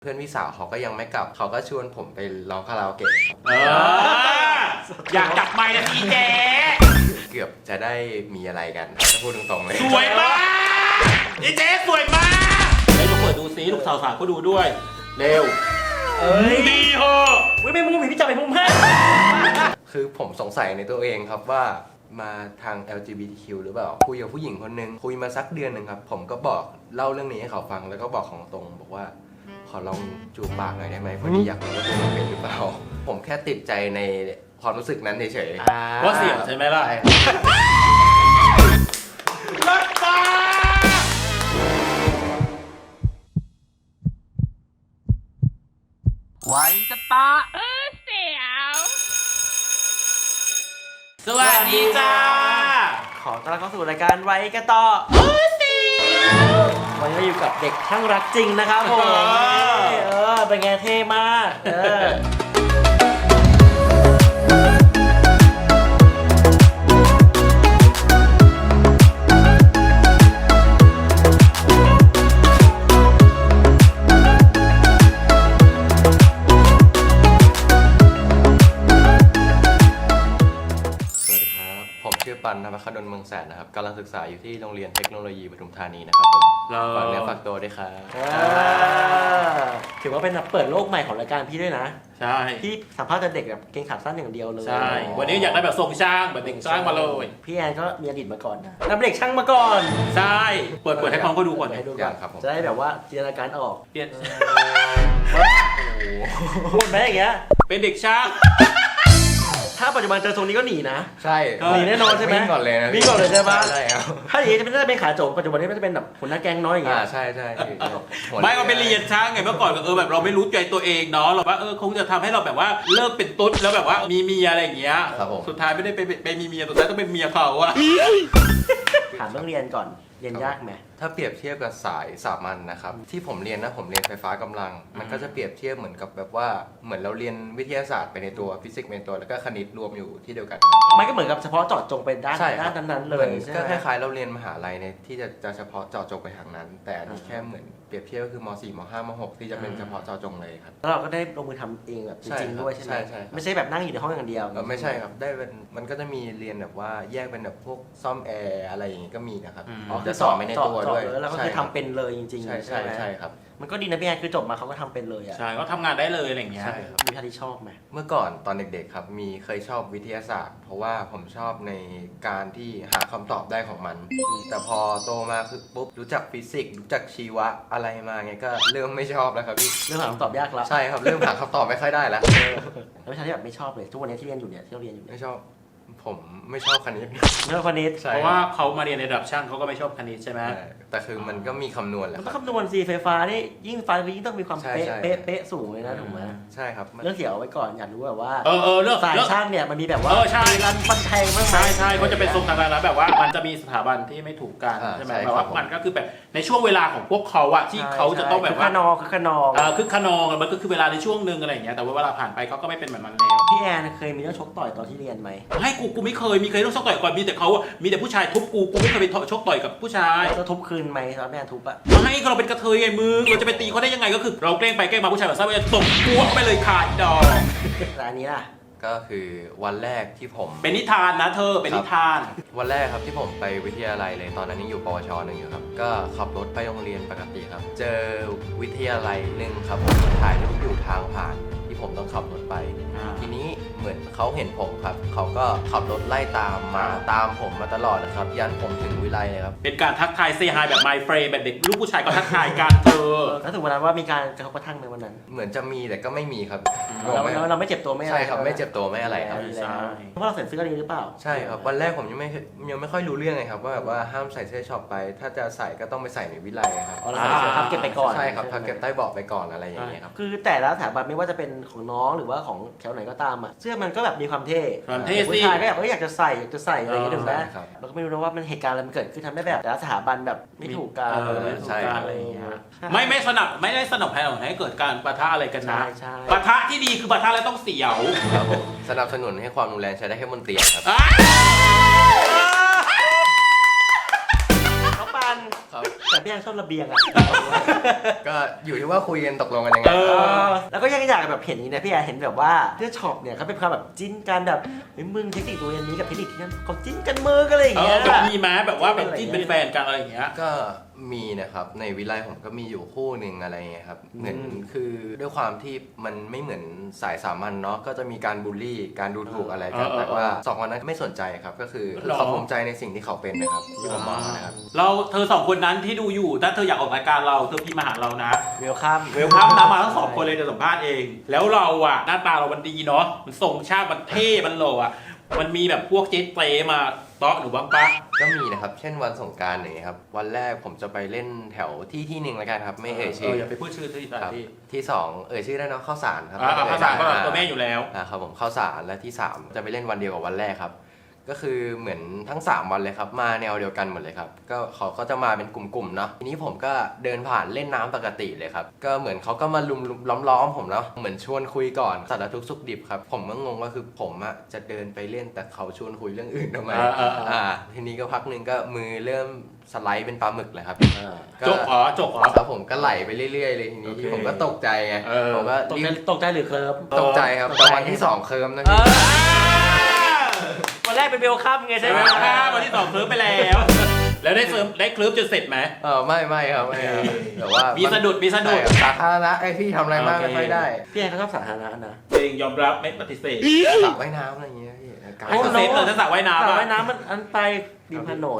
เพื่อนพี่สาวเขาก็ยังไม่กลับเขาก็ชวนผมไปร้องคาราโอเกะอยากจับไมค์นะพี่เจ๊เกือบจะได้มีอะไรกันถ้าพูดตรงๆเลยสวยมากพี่เจ๊สวยมากให้ลูกเปิดดูซิลูกสาวๆก็ดูด้วยเร็วดีเหรอไม่มุ้งพี่จับไปมุ้งให้คือผมสงสัยในตัวเองครับว่ามาทาง LGBTQ หรือเปล่าคุยกับผู้หญิงคนนึงคุยมาสักเดือนหนึ่งครับผมก็บอกเล่าเรื่องนี้ให้เขาฟังแล้วก็บอกของตรงบอกว่าขอลองจูบปากหน่อยได้ไหมพอดีอยากรู้ว่าตัวมันเป็นหรือเปล่าผมแค่ติดใจในความรู้สึกนั้นเฉยๆว่าเสียงใช่ไหมล่ะรถไฟไว้กระตาเสียวสวัสดีจ้าขอต้อนรับเข้าสู่รายการไว้กันต่อวันนี้เราอยู่กับเด็กช่างรักจริงนะครับผมเป็นไงเท่มากปันธรรมคดลเมืองแสนนะครับกำลังศึกษาอยู่ที่โรงเรียนเทคโนโลยีปทุมธานีนะครับผมฝากเนื้อฝากตัวด้วยครับถือว่าเป็นเปิดโลกใหม่ของรายการพี่ด้วยนะใช่พี่สัมภาษณ์แต่เด็กแบบเกงขาสั้นอย่างเดียวเลยใช่วันนี้อยากได้แบบทรงช่างแบบเด็กช่างมาเลยพี่แอนก็มีอดีตมาก่อนนะนับเด็กช่างมาก่อนใช่เปิดให้น้องเขาดูก่อนให้ดูก่อนจะได้แบบว่าจินตนาการออกเปลี่ยนพูดไหมอย่างเงี้ยเป็นเด็กช่างถ้าปัจจุบันเจอทรงนี้ก็หนีนะใช่หนีแน่นอนใช่ไหมวิ่งก่อนเลยนะวิ่งก่อนเลยใช่ปะใช่ครับถ้าอย่างนี้จะเป็นขาโจกปัจจุบันนี้จะเป็นแบบหัวหน้าแก๊งน้อยอย่างเงี้ยใช่ใช่ไม่ก็เป็นเรียนช่างไงเมื่อก่อนก็แบบเราไม่รู้ใจตัวเองเนาะเราว่าคงจะทำให้เราแบบว่าเลิกเป็นตุ๊ดแล้วแบบว่ามีเมียอะไรอย่างเงี้ยสุดท้ายไม่ได้ไปมีเมียสุดท้ายต้องเป็นเมียเขาอะถามเรื่องเรียนก่อนเรียนยากไหมถ้าเปรียบเทียบกับสายสามัญนะครับที่ผมเรียนนะผมเรียนไฟฟ้ากำลังมันก็จะเปรียบเทียบเหมือนกับแบบว่าเหมือนเราเรียนวิทยาศาสตร์ไปในตัวฟิสิกส์ไปในตัวแล้วก็คณิตรวมอยู่ที่เดียวกันมันก็เหมือนกับเฉพาะเจาะจงไปด้านนั้นเลยก็คล้ายๆเราเรียนมหาลัยในที่จะเฉพาะเจาะจงไปทางนั้นแต่อันนี้แค่เหมือนเปรียบเทียบก็คือม.4 ม.5 ม.6 ที่จะเป็นเฉพาะเจาะจงเลยครับแล้วเราก็ได้ลงมือทำเองแบบจริงๆด้วยใช่ไหมไม่ใช่แบบนั่งอยู่ในห้องอย่างเดียวไม่ใช่ครับได้เป็นมันก็จะมีเรียนแบบว่าแยกเป็นแบบพวกซ่อมแอร์อะไรอย่างงี้ก็มีนะครับจะสอบไม่ในตัวด้วยแล้วก็คือทำเป็นเลยจริงๆใช่ครับมันก็ดีนะพี่แอนคือจบมาเขาก็ทำเป็นเลยอ่ะใช่ก็ทำงานได้เลยอะไรอย่างเงี้ยมีท่าที่ชอบไหมเมื่อก่อนตอนเด็กๆครับเคยชอบวิทยาศาสตร์เพราะว่าผมชอบในการที่หาคำตอบได้ของมันแต่พอโตมาคือปุ๊บรู้จักฟิสิกส์รู้จักชีวะอะไรมาไงก็เริ่มไม่ชอบแล้วครับพี่เริ่มหาคำตอบยากแล้วใช่ครับเริ่มหาคำตอบไม่ค่อยได้แล้วแล้ววิชาที่แบบไม่ชอบเลยทุกวันนี้ที่เรียนอยู่เนี่ยที่เราเรียนอยู่ไม่ชอบผมไม่ชอบคณิตไม่ชอบคณิตเพราะว่าเขามาเรียนในระดับช่างเขาก็ไม่ชอบคณิตใช่ไหมแต่คือมันก็มีคำนวณแหละมันก็คำนวณไฟฟ้านี่ยิ่งไฟยิ่งต้องมีความเป๊ะสูงเลยนะถูกไหมใช่ครับเรื่องเสียวไว้ก่อนอยากรู้แบบว่าเรื่องสายช่างเนี่ยมันมีแบบว่าใช่รันฟันแทงมั้งใช่เขาจะเป็นทรงทางการแล้วแบบว่ามันจะมีสถาบันที่ไม่ถูกกันใช่ไหมแบบว่ามันก็คือแบบในช่วงเวลาของพวกเขาอะที่เขาจะต้องแบบว่าคือขนองมันก็คือเวลาในช่วงนึงอะไรอย่างเงี้ยแต่ว่าเวลาผ่านไปเขาก็ไม่เป็นแบบนั้นแล้วพี่แอนเคยมีเรื่องชกต่อยตอนที่เรียนไหมให้กูไม่เคยมีเรื่องชกต่อยก่อนมีแต่เขามีแต่ผู้ชายทุบกูไม่เคยไปชกต่อยกับผู้ชายจะทุบคืนไหมตอนแม่ทุบอะไม่เราเป็นกระเทยไงมึงเราจะไปตีเขาได้ยังไงก็คือเราแกล้งไปแกล้งมาผู้ชายแบบซ่าจะตบหัวไปเลยขาดดอกแต่อันนี้ล่ะก็คือวันแรกที่ผมเป็นนิทานนะเธอเป็นนิทานวันแรกครับที่ผมไปวิทยาลัยเลยตอนนั้นยังอยู่ปวช.1อยู่ครับก็ขับรถไปโรงเรียนปกติครับเจอวิทยาลัยหนึ่งครับผมถ่ายรูปอยู่ทางผ่านที่ผมต้องขับรถไปทีนี้เหมือนเขาเห็นผมครับเขาก็ขับรถไล่ตามผมมาตลอดนะครับยันผมถึงวิไลเลยครับเป็นการทักทายเซฮายแบบ my friend แบบเด็กลูกผู้ชายก็ทักทายกันเธอแล้วถึงวันนั้นว่ามีการกระทบกระทั่งในวันนั้นเหมือนจะมีแต่ก็ไม่มีครับเราไม่เจ็บตัวไม่อะไรใช่ครับไม่เจ็บตัวไม่อะไรครับใช่เพราะเราใส่เสื้อนี้หรือเปล่าใช่ครับวันแรกผมยังไม่ค่อยรู้เรื่องเลยครับว่าแบบว่าห้ามใส่เสื้อช็อปไปถ้าจะใส่ก็ต้องไปใส่ในวิไลครับทับเก็บไปก่อนใช่ครับทับเก็บใต้เบาะไปก่อนอะไรอย่างเงี้ยครับคือแต่ละสถาบันไม่ว่าจะเป็นของน้องหรือว่าของแถวไหนก็ตามอ่ะเสื้อมันก็แบบมีความเท่ผู้ชายก็อยากจะใส่อะไรอย่างเงี้ยถูกไหมเราก็ไม่รู้ว่ามันเหตุการณ์อะไรมันเกิดขึ้นทำให้แบบแต่ละสถาบันแบบไม่ถูกกันอะไรอย่างเงี้ยไม่ได้สนับสนุนให้เกิดการปะทะอะไรกันนะปะทะที่ดีคือปะทะแล้วต้องเสียวครับผมสนับสนุนให้ความรุนแรงใช้ได้แค่บนเตียงครับเขาปันแต่พี่แอนชอบระเบียงอ่ะก็อยู่ที่ว่าคุยกันตกลงกันยังไงแล้วก็ยังอยากแบบเห็นนี้นะพี่แอนเห็นแบบว่าเสื้อช็อปเนี่ยเขาเป็นความแบบจิ้นกันแบบเฮ้ยมึงเทคนิคตัวนี้กับเทคนิคที่นั่นเขาจิ้นกันมือกันอะไรอย่างเงี้ยแบบมีไหมแบบว่าแบบจิ้นเป็นแฟนกันอะไรอย่างเงี้ยก็มีนะครับในวิไลผมก็มีอยู่คู่หนึ่งอะไรเงี้ยครับเหมือนคือด้วยความที่มันไม่เหมือนสายสามัญเนาะก็จะมีการบูลลี่การดูถูกอะไรกันแต่ว่าสองคนนั้นไม่สนใจครับก็คือเขาภูมิใจในสิ่งที่เขาเป็นนะครับที่ผมมองนะครับเธอสองคนนั้นที่ดูอยู่ถ้าเธออยากออกรายการเราเธอพิมพ์มาหาเรานะเวลคัมเวลคัมนะมาทั้งสองคนเลยจะสัมภาษณ์เอง แล้วเราอ่ะหน้าตาเรามันดีเนาะมันทรงชาติมันเท่มันหล่ออ่ะมันมีแบบพวกเจ๊เตมาเตาะหนูบ้างปะก็มีนะครับเช่นวันสงกรานต์อย่างเงี้ยครับวันแรกผมจะไปเล่นแถวที่หนึ่งแล้วกันครับไม่เอ่ยชื่ออย่าไปพูดชื่อที่ครับที่สองเอ่ยชื่อได้เนาะข้าวสารครับภาษาก็ตัวแม่อยู่แล้วครับผมข้าวสารและที่สามจะไปเล่นวันเดียวกับวันแรกครับก็คือเหมือนทั้ง3วันเลยครับมาแนวเดียวกันหมดเลยครับก็เขาก็จะมาเป็นกลุ่มๆเนาะทีนี้ผมก็เดินผ่านเล่นน้ำปกติเลยครับก็เหมือนเขาก็มาลุมล้อมผมเนาะเหมือนชวนคุยก่อนสารทุกข์สุขดิบครับผมก็งงว่าคือผมอะจะเดินไปเล่นแต่เขาชวนคุยเรื่องอื่นทำไมทีนี้ก็พักนึงก็มือเริ่มสไลด์เป็นปลาหมึกเลยครับจกอ๋อครับผมก็ไหลไปเรื่อยๆเลยทีนี้ผมก็ตกใจไงผมก็ตกใจหรือเคลิ้มตกใจครับแต่วันที่2เคลิ้มนะพี่วันแรกเป็นเวลคัมไงใช่ไหมวันที่2เคลิ้มไปแล้ว แล้วได้เคลิ้มจนเสร็จไหมไม่ครับแต่ว่ามีสะดุดสาธารณะไอพี่ทำอะไรมากไม่ได้พี่แอนเขาชอบสาธารณะนะเองยอมรับไม่ปฏิเสธสระว่ายน้ำอะไรอย่างเงี้ยพี่ไม่เซฟเลยถ้าสระว่ายน้ำมันอันไปริมถนน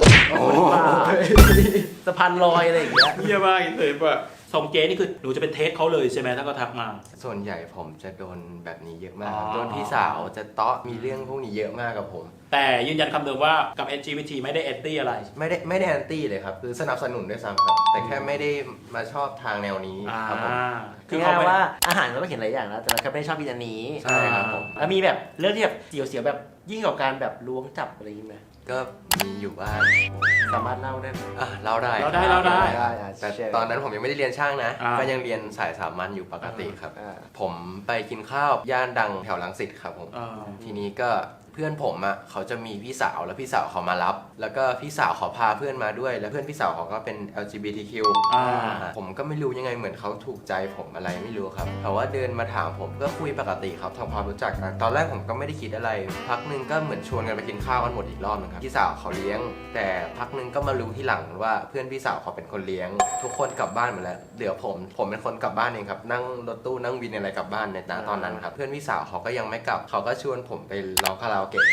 สะพานลอยอะไรอย่างเงี้ยเยี่ยมมากเซฟอะส่งเจนี่คือหนูจะเป็นเทสเขาเลยใช่ไหมถ้าก็ทักมาส่วนใหญ่ผมจะโดนแบบนี้เยอะมากโดนพี่สาวจะเตาะมีเรื่องพวกนี้เยอะมากกับผมแต่ยืนยันคำเดิมว่ากับ LGBT ไม่ได้แอนตี้อะไรไม่ได้แอนตี้เลยครับคือสนับสนุนด้วยซ้ำครับแต่แค่ไม่ได้มาชอบทางแนวนี้ครับผมคือเขาว่าอาหารเราก็เห็นหลายอย่างแล้วแต่เราแค่ไม่ได้ชอบกินอันนี้ใช่ครับผมแล้วมีแบบเรื่องที่แบบเสียวๆแบบยิ่งกว่าการแบบล้วงจับอะไรอย่างเงี้ยก็มีอยู่บ้างสามารถเล่าได้ไหมเล่าได้แต่ตอนนั้นผมยังไม่ได้เรียนช่างนะก็ยังเรียนสายสามัญอยู่ปกติครับผมไปกินข้าวย่านดังแถวรังสิตครับผมทีนี้ก็เพื่อนผมอ่ะเขาจะมีพี่สาวแล้วพี่สาวเขามารับแล้วก็พี่สาวเขาพาเพื่อนมาด้วยแล้วเพื่อนพี่สาวเขาก็เป็น LGBTQ ผมก็ไม่รู้ยังไงเหมือนเขาถูกใจผมอะไรไม่รู้ครับแต่ว่าเดินมาถามผมก็คุยปกติครับทำความรู้จักกันตอนแรกผมก็ไม่ได้คิดอะไรพักนึงก็เหมือนชวนกันไปกินข้าวกันหมดอีกรอบนึงครับพี่สาวเขาเลี้ยงแต่พักนึงก็มารู้ที่หลังว่าเพื่อนพี่สาวเขาเป็นคนเลี้ยงทุกคนกลับบ้านหมดแล้วเดี๋ยวผมเป็นคนกลับบ้านเองครับนั่งรถตู้นั่งวินอะไรกลับบ้านในตอนนั้นครับเพื่อนพี่สาวเขาก็ยังไม่กลับเขาก็ชวนผมไปร้องคาราโอเกะ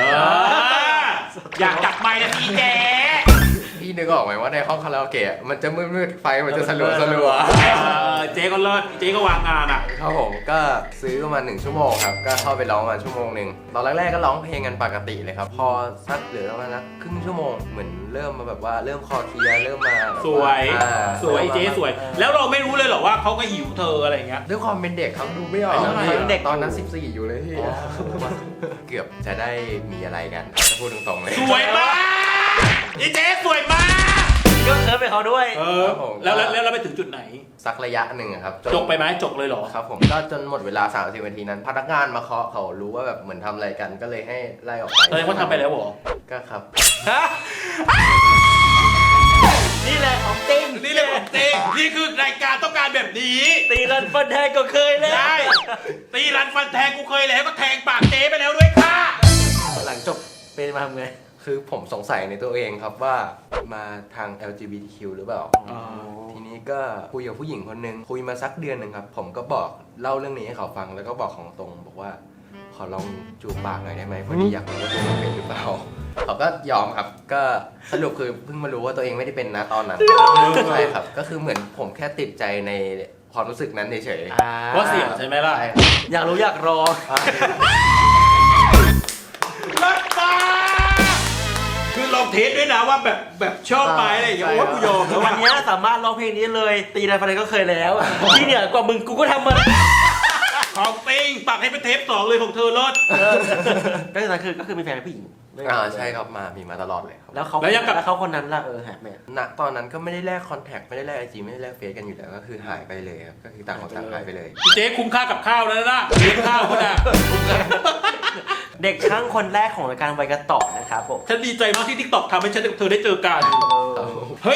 อยากจับไมค์นะพี่เจ๊พี่นึกออกไหมว่าในห้องคาราโอเกะมันจะมืดๆไฟมันจะสลัวเจ๊ก็เลิศเจ๊ก็วางงานอ่ะครับผมก็ซื้อมา1 ชั่วโมงครับก็เข้าไปร้องมา1 ชั่วโมงตอนแรกๆก็ร้องเพลงกันปกติเลยครับพอสักเหลือประมาณครึ่งชั่วโมงเหมือนเริ่มมาแบบว่าเริ่มคอเคลียร์เริ่มมาสวยเจ๊สวยแล้วเราไม่รู้เลยหรอว่าเขาก็หิวเธออะไรเงี้ยด้วยความเป็นเด็กครับดูไม่ออกเด็กตอนนั้น14อยู่เลยพี่เกือบจะได้มีอะไรกันจะพูดตรงๆเลยสวยมากเจ๊สวยมากก็เคิร์ฟไปเขาด้วยแล้วเราไปถึงจุดไหนสักระยะหนึ่งครับจบไปไหมจบเลยเหรอครับผมก็จนหมดเวลา30 นาทีนั้นพนักงานมาเคาะเขารู้ว่าแบบเหมือนทำอะไรกันก็เลยให้ไล่ออกไปเลยเขาทำไปแล้วเหรอก็ครับนี่แหละของจริงนี่คือรายการต้องการแบบนี้ตีรันฟันแทงก็เคยแล้วได้ตีรันฟันแทงกูเคยแล้วก็แทงปากเจ๊ไปแล้วด้วยค่ะหลังจบเป็นมาทำไงคือผมสงสัยในตัวเองครับว่ามาทาง LGBTQ หรือเปล่าทีนี้ก็คุยกับผู้หญิงคนนึงคุยมาสักเดือนหนึ่งครับผมก็บอกเล่าเรื่องนี้ให้เขาฟังแล้วก็บอกของตรงบอกว่าขอลองจูบปากหน่อยได้ไหมพอดีอยากรู้ว่าตัวเองเป็นหรือเปล่าเขาก็ยอมครับก็สรุปคือเพิ่งมารู้ว่าตัวเองไม่ได้เป็นนะตอนนั้นใช่ครับก็คือเหมือนผมแค่ติดใจในความรู้สึกนั้นเฉยๆว่าเสี่ยงใช่ไหมล่ะอยากรู้อยากรอคือลองเทสด้วยนะว่าแบบชอบไปอะไรอย่างเงี้ยโอ้กูยอมวันนี้สามารถร้องเพลงนี้เลยตีรันฟันแทงก็เคยแล้วที่เหนือกว่ามึงกูก็ทำมาของติงปักให้เป็นเทป2เลยของเธอรถก็คือมีแฟนเป็นผู้หญิงใช่ครับมีมาตลอดเลยครับแล้วเขาคนนั้นล่ะแฮปแม่ณตอนนั้นก็ไม่ได้แลกคอนแทคไม่ได้แลกIGไม่ได้แลกเฟซกันอยู่แล้วก็คือหายไปเลยครับก็คือต่างคนต่างหายไปเลยเจ๊คุ้มค่ากับข้าวแล้วนะเลี้ยงข้าวคนน่ะเด็กช่างคนแรกของรายการไวกระต่อนะครับผมฉันดีใจมากที่ TikTok ทำให้เธอได้เจอกันเฮ้ย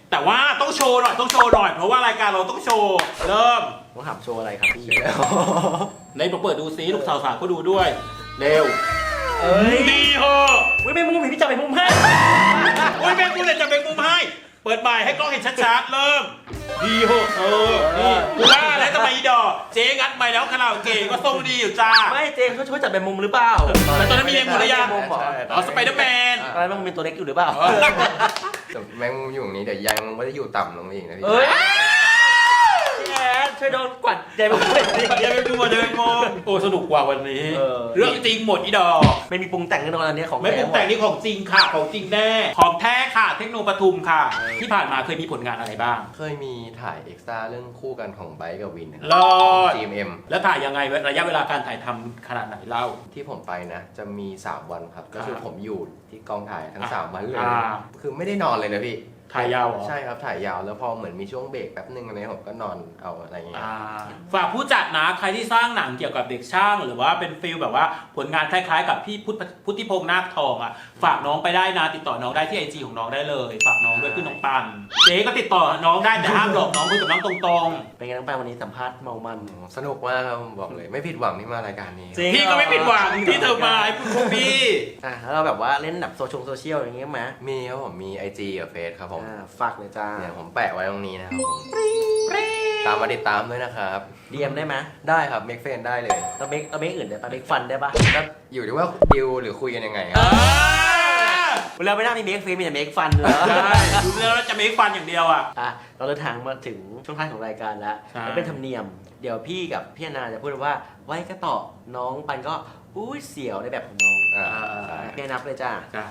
แต่ว่าต้องโชว์หน่อยเพราะว่ารายการเราต้องโชว์เริ่มต้องถามโชว์อะไรครับพี่ในเปิดดูซิลูกสาวๆก็ดูด้วยเร็วเอ้ยดีเหอะอุ้ยไม่มุมพี่จับไปมุมให้โอ้ยแม่กูเลยจะเป็นมุมให้เปิดใหม่ให้กล้องเห็นชัดๆเริ่มดีเหอะนี่กูว่าแล้วทำไมอีดอกเจ๊งัดไปแล้วคาราโอเกะก็ทรงดีอยู่จ้าไม่เจมส์ช่วยจับไปมุมหรือเปล่าแต่ตอนนั้นมีเองหมดหรือยังมุมเหรออ๋อสไปเดอร์แมนตอนนั้นมันเป็นตัวเล็กอยู่หรือเปล่าแต่แมงมุมอยู่ตรงนี้เดี๋ยวยังไม่ได้อยู่ต่ำลงไปอีกนะพี่เอ้ยพี่แอนช่วยโดนกวัดใจมุมหน่อยดิเดี๋ยวไปดูเดินมองโอ้สนุกกว่าวันนี้ เรื่องจริงหมดอีดอกไม่มีปรุงแต่งแน่นอนอันนี้ของไม่ปรุงแต่งนี่ของจริงค่ะของจริงแน่ของแท้ค่ะเทคโนปทุมค่ะ ที่ผ่านมาเคยมีผลงานอะไรบ้างเคยมีถ่ายเอ็กซ์ตร้าเรื่องคู่กันของไบค์กับวินนะครรับอด GMM แล้วถ่ายยังไงระยะเวลาการถ่ายทำขนาดไหนเล่าที่ผมไปนะ จะมี 3 วันครับ ก็คือผมอยู่ที่กองถ่ายทั้ง 3 วันเลยอ่าคือไม่ได้นอนเลยนะพี่ถ่ายยาวเหรอใช่ครับ ถ่ายยาวแล้วพอเหมือนมีช่วงเบรกแป๊บนึงอะไรผมก็นอนเอาอะไรอย่างเงี้ยฝากผู้จัดนะใครที่สร้างหนังเกี่ยวกับเด็กช่าง หรือว่าเป็นฟิลแบบว่าผลงานคล้ายๆ กับพี่พุทธิพงษ์นาคทองอ่ะฝากน้องไปได้นะติดต่อน้องได้ที่ IG ของน้องได้เลยฝากน้องด้วยคือน้องปันเจ๊ก็ติดต่อน้องได้แต่ห้ามหลอกน้องคุยกับน้องตรงเป็นไงน้องปานวันนี้สัมภาษณ์เมามันสนุกมากครับผมบอกเลย ไม่ผิดหวังที่มารายการนี้จริงๆพี่ก็ไม่ผิดหวังที่เธอมาไอ้พวกพี่แล้วเราแบบว่าเล่นแบบโซเชียลอย่างเงี้ยไหมมีครับผมมี IG กับเฟซครับผมฝากเลยจ้าเนี่ยผมแปะไว้ตรงนี้นะครับผมตามมาติดตามด้วยนะครับ DM ได้ไหมได้ครับเมกเฟนได้เลยตัวเมกอื่นได้ปะเมกฟันได้ปะก็อยู่ที่ว่าดิวหรือคุยกันยังไงครับเวลาไม่น่ามีเมกฟีมีแต่เมกฟันเลยใช่ดูแล้วจะไม่ฟันอย่างเดียวอ่ะเราเดินทางมาถึงช่วงท้ายของรายการแล้วใช่แล้วเป็นธรรมเนียม เดี๋ยวพี่กับพี่อนาจะพูดว่าไว้ก็ต่อน้องปันก็อุ้ยเสียวในแบบของน้องใช่พี่นับเลยจ้าจ้ะ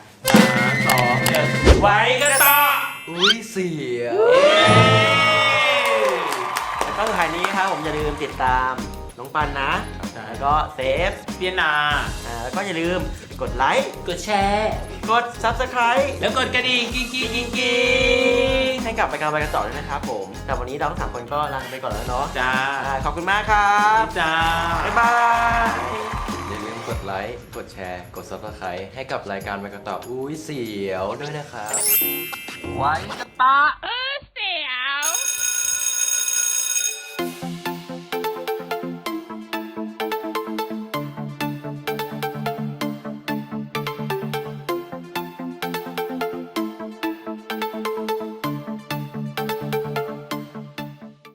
3 2 1ไว้กันต่ออุ้ยเสียแล้วก็สุดท้ายนี้ครับผมอย่าลืมติดตามน้องปันนะ แล้วก็เซฟเปียนาแล้วก็อย่าลืมกดไลค์กดแชร์กด Subscribe แล้วกดกระดิ่งกิ๊งกิ๊งกิ๊งกิ๊งให้กับรายการไปกันต่อด้วยนะครับผม แต่วันนี้เราทั้งสามคนก็ลาไปก่อนแล้วเนาะจ้าขอบคุณมากครับจ้าบ๊ายบายอย่าลืมกดไลค์ กดแชร์ กด Subscribe ให้กับรายการไปกันต่ออุ้ยเสียวด้วยนะครับไว้กันตา